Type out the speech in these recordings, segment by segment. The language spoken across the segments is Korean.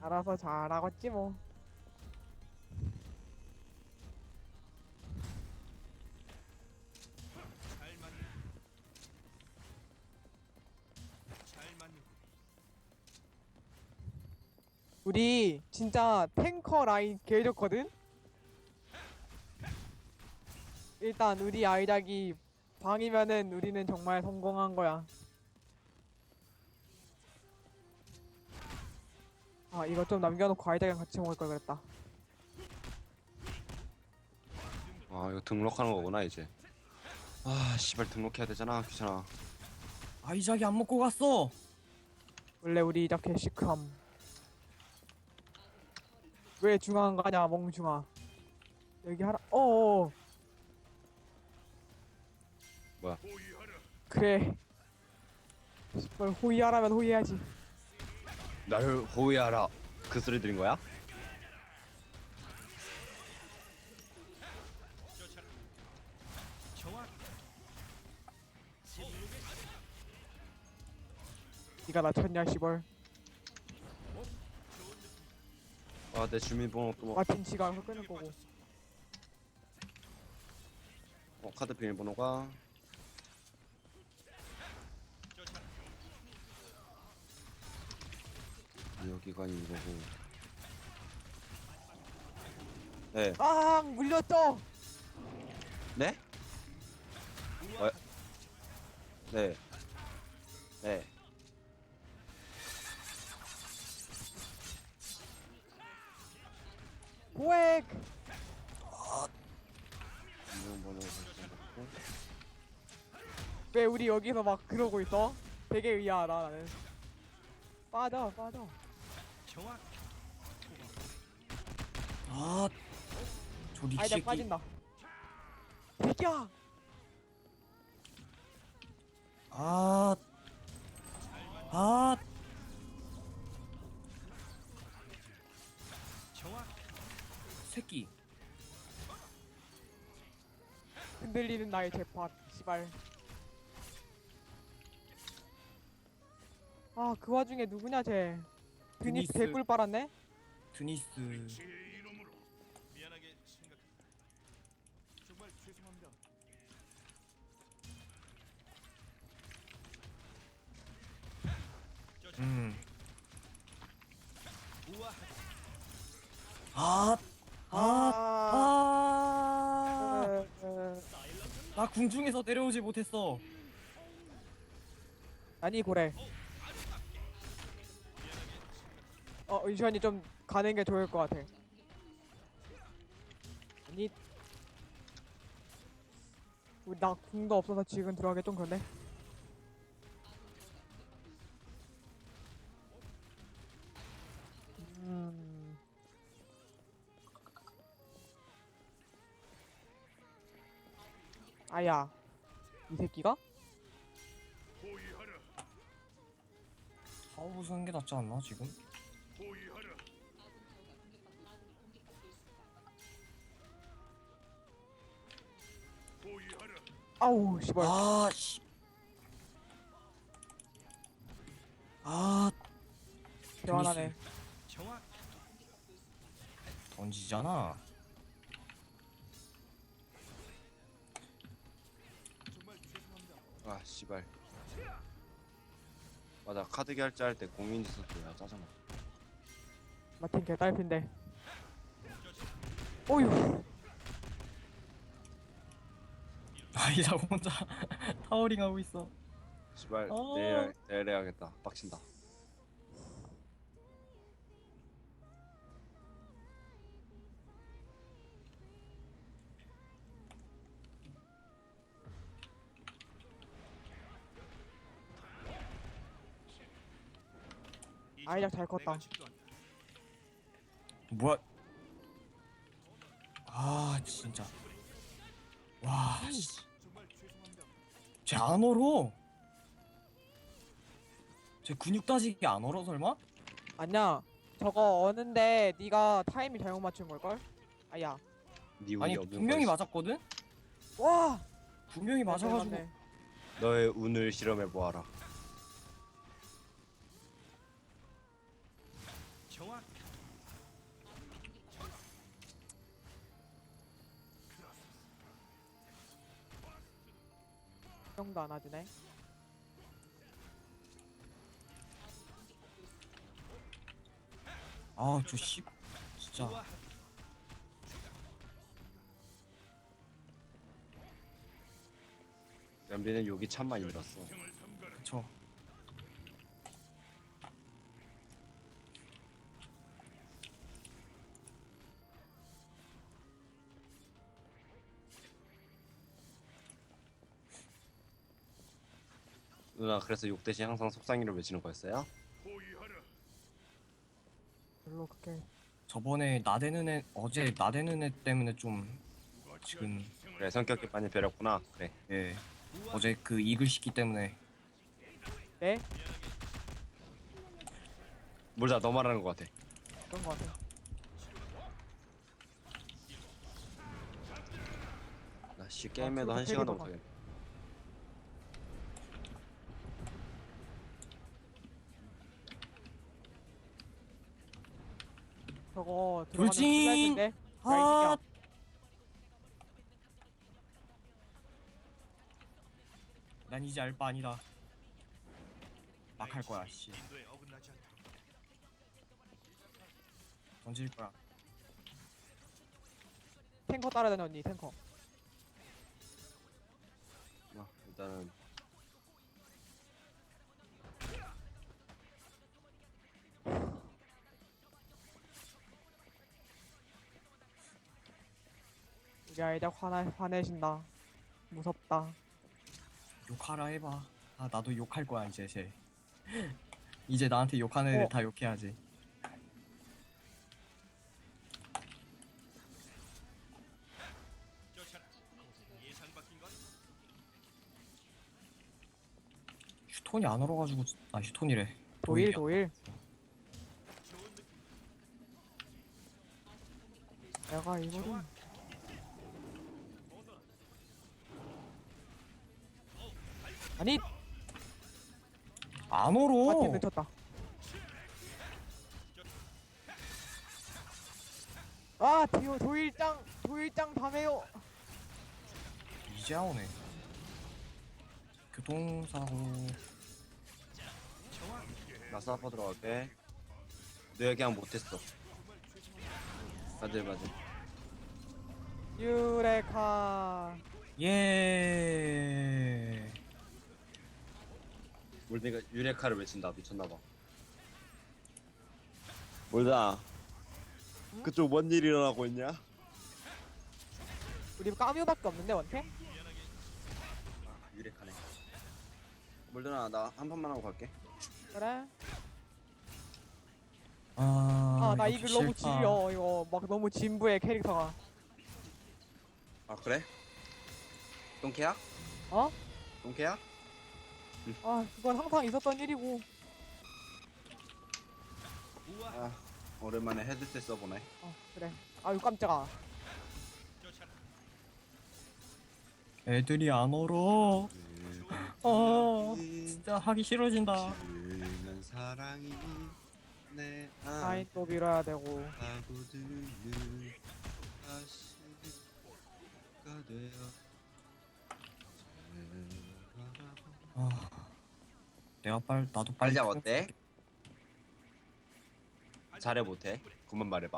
알아서 잘하겠지 뭐. 잘 맞는 잘 맞는 우리 진짜 탱커 라인 개 좋거든? 일단 우리 아이작이 방이면은 우리는 정말 성공한 거야. 아, 이거 좀 남겨놓고 아이작이랑 같이 먹을 걸 그랬다. 아 이거 등록하는 거구나 이제. 아 씨발 등록해야 되잖아. 귀찮아. 아이작이 안 먹고 갔어. 원래 우리 이작 개시크함. 왜 중앙 가냐, 멍중아. 여기 하라, 어어. 뭐야? 그래. 뭘 호의하라면 호의해야지. 나를 호위하라. 그 소리 들린 거야? 정확 니가 나 쳤냐, 시벌. 아 내 주민번호 또 뭐? 마틴 지가 알아서 끊을 거고. 카드 비밀번호가 여기가 이거고. 네. 아, 물렸어! 네? 어? 네. 네. 고액! 비밀번호 설정받고. 왜 우리 여기서 막 그러고 있어? 되게 의아하다, 나는. 빠져, 빠져. 정확 아, 저리 아이작 새끼. 빠진다. 새끼야! 아, 아, 정확 새끼. 흔들리는 나의 재팟, 시발. 아, 그 와중에 누구냐, 쟤. 드니스 드니스. 개꿀 빨았네? 드니스. 제 이름으로 미안하게 생각합니다. 정말 죄송합니다. 음. 우아하게 아, 아, 아. 어, 나 궁중에서 내려오지 못했어. 아니, 고래. 은시원이 좀 가는 게 좋을 것 같아. 아니. 우리 나 궁도 없어서 지금 들어가기 좀 그런데? 음. 아야, 이 새끼가? 사오부 쓰는 게 낫지 않나 지금? 아우, 씨발. 아, 씨. 아, 대환하네. 정확 던지잖아. 정말 죄송합니다. 아 씨발. 맞아 카드 결제할 때 공인지 썼어야 짜증나. 마틴 개딸핀데. 오유. 아이작 혼자 타워링 하고 있어. 씨발 어. 내일 해야겠다. 빡친다. 아이작 잘 컸다. 내가 집도한다. 뭐야? 아, 진짜. 와, 씨. 정말 죄송합니다. 쟤 안 얼어. 쟤 근육 따지기 안 얼어 설마? 아니야. 저거 어는데 네가 타이밍 잘못 맞춘 걸걸? 아야. 네 운이 아니 없는 분명히 거지. 맞았거든? 와! 분명히 맞아가지고. 맞네. 너의 운을 실험해 보아라. 정확. 정도 안 하지네. 아, 저 씨. 진짜. 우와. 연비는 욕이 참 많이 들었어. 그쵸. 누나 그래서 욕 대신 항상 속상이를 외치는 거였어요? 별로 그렇게 저번에 나대는 애, 어제 나대는 애 때문에 좀 지금, 그래 성격이 많이 변했구나. 그래. 예. 어제 그 이글 시키 때문에. 네? 몰라 너 말하는 거 같아. 그런 거 같아. 나씨 게임에도 아, 한 저렇게 시간도 되게 못하겠네. 저거 들어가면 돌진! 큰일 날 텐데. 야, 이 아, 새끼야. 난 이제 알 바 아니다. 막 할 거야, 씨. 인도에 어긋나지 않도록. 던질 거야. 탱커 따라다녀 언니 탱커. 일단은 우리 아이작 화내신다. 무섭다. 욕하라 해봐. 아, 나도 욕할 거야, 이제 쟤. 이제 나한테 욕하는 애들 다 욕해야지. 쫓아라. 예상 바뀐 건 휴톤이 안 얼어가지고, 아, 휴톤이래. 도일 도일이야. 도일. 좋은 느낌. 내가 이거를 아니 안 파티 얼어! 늦췄다. 아 디오 도일장 다메요. 이제 오네. 교통사고. 나 사퍼 들어갈게. 너 얘기하면 못했어. 맞아. 유레카. 예. 몰드가 유레카를 외친다. 미쳤나봐. 몰다. 그쪽 뭔 일이 일어나고 있냐? 우리 까뮤밖에 없는데 원태? 유레카네. 몰드나 나 한 판만 하고 갈게. 그래? 아, 나 이거 이글 너무 싫다. 지려. 이거 막 너무 진부해 캐릭터가. 아 그래? 똥캐야? 어? 똥캐야? 아 그건 항상 있었던 일이고. 우와. 아 오랜만에 헤드셋 써보네. 그래. 아유 깜짝아. 쫓아라. 애들이 안 얼어. 아, 진짜 하기 싫어진다. 지는 사랑이 내 아이 또 밀어야 되고. 안하고드는 다시가 되어 아, 나도 빨리. 알자 어때? 잘해 못해? 그만 말해봐.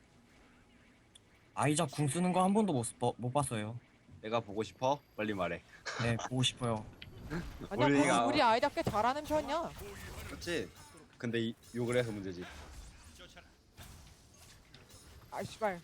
아이작 궁 쓰는 거 한 번도 못 봤어요. 내가 보고 싶어? 빨리 말해. 네, 보고 싶어요. 아니야 우리가- 우리 아이작 꽤 잘하는 편이야. 그렇지? 근데 욕을 해서 문제지. 쫓아라. 아 씨발.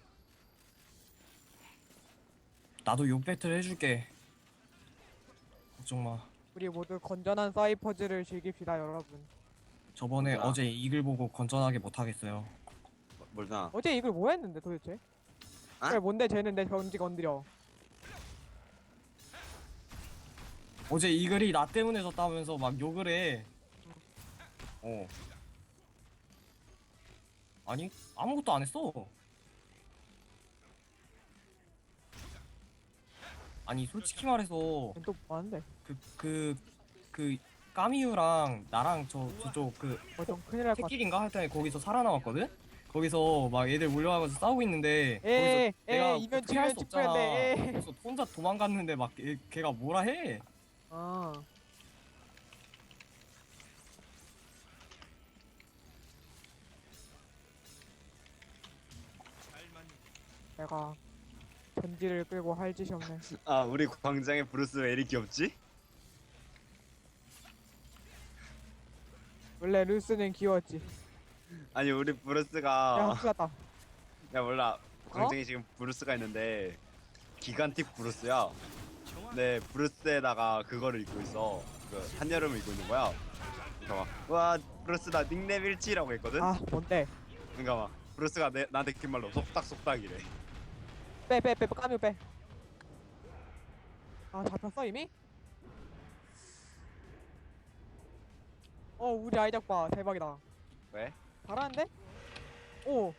나도 욕 배틀 해줄게. 걱정 마. 우리 모두 건전한 사이퍼즈를 즐깁시다 여러분. 저번에 뭐야? 어제 이글 보고 건전하게 못 하겠어요. 몰다. 어제 이걸 뭐 했는데 도대체? 아? 그래 뭔데 쟤는 내 경지 건드려. 어제 이글이 나 때문에 졌다면서 막 욕을 해. 아니, 아무것도 안 했어. 아니, 솔직히 말해서 또 뭐하는데? 그 까미유랑 나랑 저쪽 그 좀 큰일 날 것 같아. 새끼인가 하여튼 거기서 살아남았거든? 거기서 막 애들 몰려와가지고 싸우고 있는데 에이, 거기서 내가 에이, 이면 어떻게 할 수 지면 없잖아. 직구했네, 에이. 그래서 혼자 도망갔는데 막 걔가 뭐라 해. 아, 잘 맞는 내가 전지를 끌고 할 짓이 없네. 아 우리 광장에 브루스 왜 이리 귀엽지? 원래 루스는 귀여웠지. 아니 우리 야, 브루스가 큰일났다. 야 몰라 광장에 지금 브루스가 있는데 기간틱 브루스야. 정확. 네 브루스에다가 그거를 입고 있어. 그 한여름을 입고 있는 거야. 그러니까 막와 브루스 나 닉네임 일치라고 했거든. 아, 뭔데? 그러니까 막 브루스가 나한테 뒷말로 속닥속닥이래. 빼, 까뮤 빼. 아, 잡혔어 이미? 우리 아이작 봐, 대박이다. 왜? 잘하는데? 오,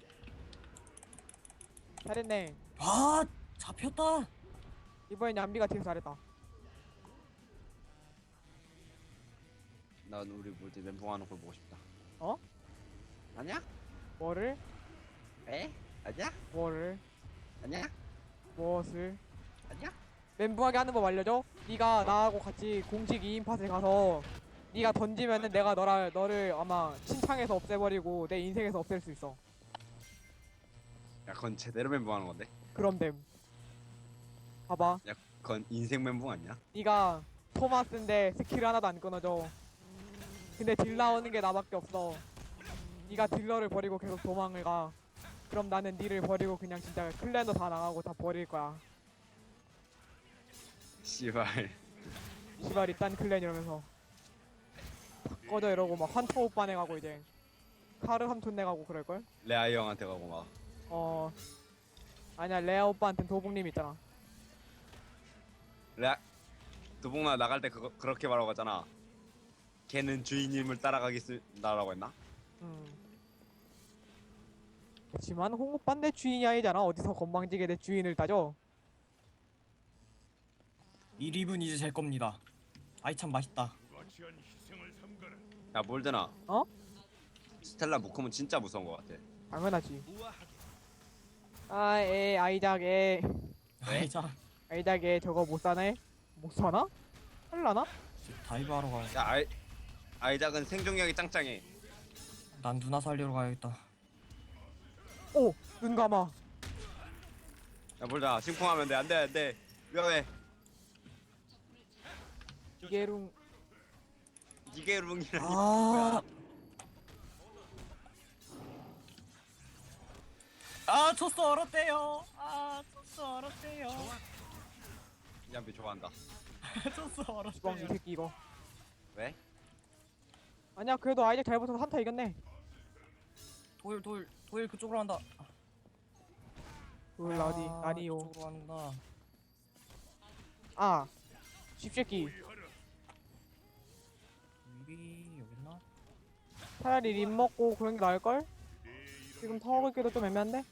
잘했네. 아 잡혔다. 이번엔 얌비가 되게 잘했다. 난 우리 뭐지 멘붕하는 걸 보고 싶다. 어? 아니야? 뭐를? 에? 아니야? 뭐를? 아니야? 무엇을? 아니야? 멘붕하게 하는 법 알려줘? 네가 나하고 같이 공식 2인 팟에 가서 네가 던지면은 내가 너를 아마 신창에서 없애버리고 내 인생에서 없앨 수 있어. 야 그건 제대로 멘붕하는 건데. 그럼 됨. 봐봐. 야 그건 인생 멘붕 아니야? 네가 토마스인데 스킬 하나도 안 끊어져. 근데 딜 나오는 게 나밖에 없어. 네가 딜러를 버리고 계속 도망을 가. 그럼 나는 니를 버리고 그냥 진짜 클랜도 다 나가고 다 버릴 거야. 씨발. 시발 이딴 클랜 이러면서 다 꺼져 이러고 막 환터 오빠 내가고 이제 카르 삼촌 내가고 그럴걸? 레아이 형한테 가고 막. 아니야 레아 오빠한텐 도봉님 있잖아. 레아 두봉나 나갈 때 그렇게 말하고 갔잖아. 걔는 주인님을 따라가겠습니다라고 했나? 그렇지만 홍 오빠 내 주인이 아니잖아. 어디서 건방지게 내 주인을 따져. 이 립은 이제 제 겁니다. 아이 참 맛있다. 무가치한 희생을 삼가라. 야 몰드나. 어? 스텔라 무콤은 진짜 무서운 것 같아. 당연하지. 우아하게. 아이작 에 아이 참 아이작 에 저거 못 사네? 못 사나? 할라나? 다이브 하러 가. 야 아이작은 생존력이 짱짱해. 난 누나 살리러 가야겠다. 오! 눈 감아. 야 몰드나 심쿵하면 돼. 안돼 위험해. 이게룽 이게 룽이라니. 아, 토스 얼었대요. 토스 얼었대요. 얌비 좋아한다. 토스 주방 이 얼었대요. 새끼 이거. 왜? 아니야 그래도 아이작 잘 붙어서 한타 이겼네. 도일 그쪽으로 한다. 울 어디? 아니요. 그쪽으로 한다. 아 쥐새끼. 여기 있나? 차라리 립 먹고 그런 게 나을걸? 지금 타워 긁기도 좀 애매한데?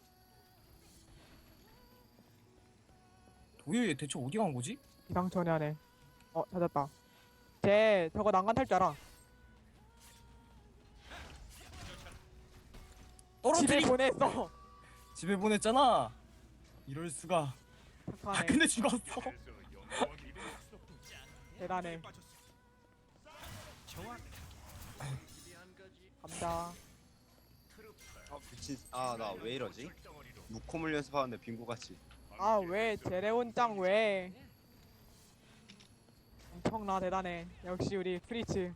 도일 얘 대체 어디 간 거지? 기상천외 하네. 찾았다. 쟤 저거 난간 탈 줄 알아. 집에 떨어뜨리. 보냈어. 집에 보냈잖아. 이럴 수가. 착하네. 근데 죽었어. 대단해. 빠졌어. 정확. 감자. 미친. 나 왜 이러지? 무콤을 연습하는데 빙고같이. 왜 제레온 짱 왜? 엄청나 대단해. 역시 우리 프리츠.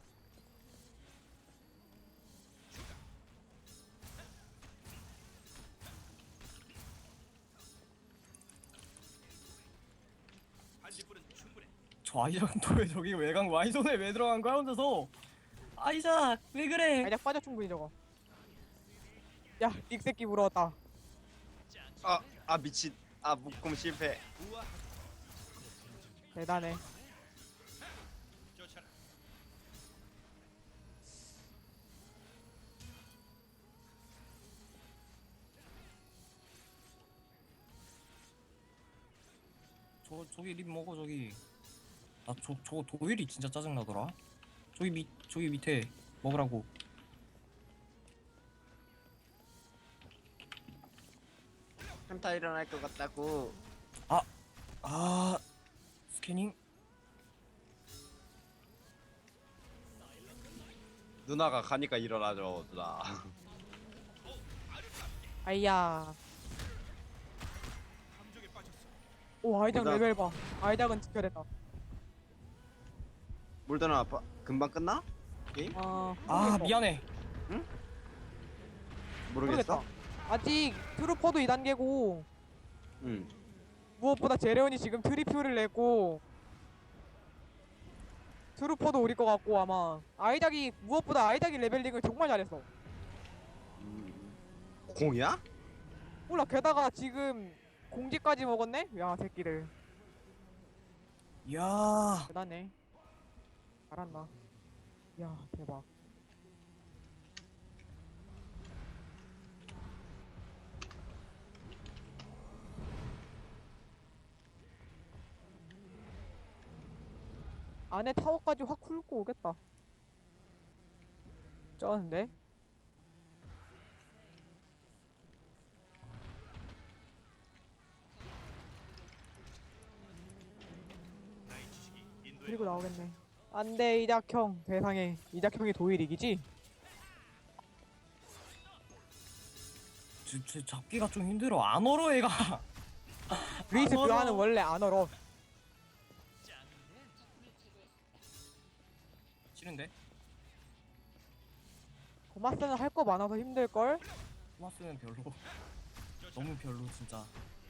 반지불은 충분해. 저 아이작은 또 왜 저기 외곽 와이존에 왜 들어간 거야 혼자서? 아이작 왜 그래? 아이작 빠져 충분히 저거. 야, 닉새끼 물어왔다. 미친. 무콤 실패. 우아하게. 대단해. 쫓아라. 저기 립 먹어 저기. 나 저거 도일이 진짜 짜증나더라. 저기 밑에 먹으라고. 한타 일어날 것 같다고. 아 스캐닝. 누나가 가니까 일어나죠 누나. 아이야. 함정에 빠졌어. 오 아이작 보다- 레벨 봐. 아이작은 지켜야 된다. 물더나 아빠 금방 끝나? 게임? 아 아 미안해. 모르겠어? 아직 트루퍼도 2단계고 응. 무엇보다 제레온이 지금 트리플을 냈고 트루퍼도 우리 것 같고 아마 아이작이 무엇보다 아이작이 레벨링을 정말 잘했어. 공이야? 몰라 게다가 지금 공지까지 먹었네? 야 새끼들 야 대단해. 잘한다. 야 대박. 안에 타워까지 확 훑고 오겠다. 쩌는데? 나의 지식이 인도에 그리고 나오겠네. 안돼 이작형 대상에 이작형이 도일 이기지? 저 잡기가 좀 힘들어. 안 얼어 얘가. 루이스 얼어. 그하는 원래 안 얼어. 싫은데? 고마스는 할 거 많아서 힘들걸? 토마스는 별로. 너무 별로 진짜.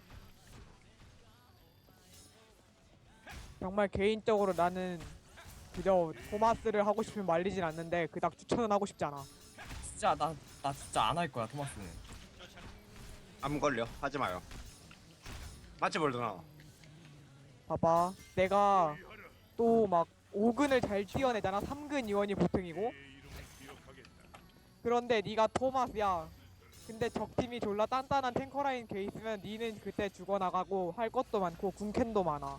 정말 개인적으로 나는 그저 토마스를 하고 싶으면 말리진 않는데 그닥 추천은 하고 싶지 않아. 진짜 나 진짜 안 할 거야 토마스는. 안 걸려. 하지 마요. 맞지 물더나. 봐봐 내가 또 막 5근을 잘 뛰어내잖아. 3근 이원이 보통이고 내 이름을 기억하겠다. 그런데 네가 토마스야. 근데 적팀이 졸라 단단한 탱커라인 게 있으면 니는 그때 죽어나가고 할 것도 많고 궁캔도 많아.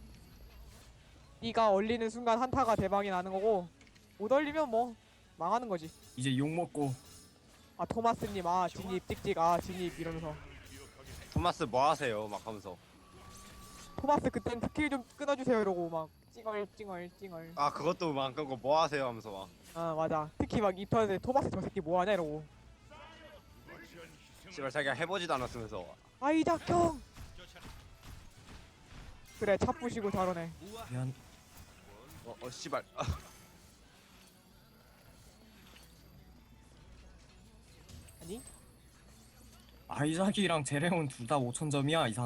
네가 얼리는 순간 한타가 대박이 나는 거고 못 얼리면 뭐 망하는 거지. 이제 욕 먹고. 아 토마스님 아 진입 찍찍 아 진입 이러면서 토마스 뭐 하세요? 막 하면서. 토마스 그땐 스킬 좀 끊어주세요 이러고 막 찡얼찡얼찡얼. 아 그것도 막 안 끊고 뭐 하세요? 하면서 막. 아 맞아. 특히 막 이편에 토마스 저 새끼 뭐하냐 이러고. 거치한 희생을 씨발 자기가 해보지도 않았으면서. 아이작형 쫓아라. 그래 차 부시고 저러네. 미안. 씨발. 아니 아이작이랑 제레온 둘 다 5,000점이야 이상.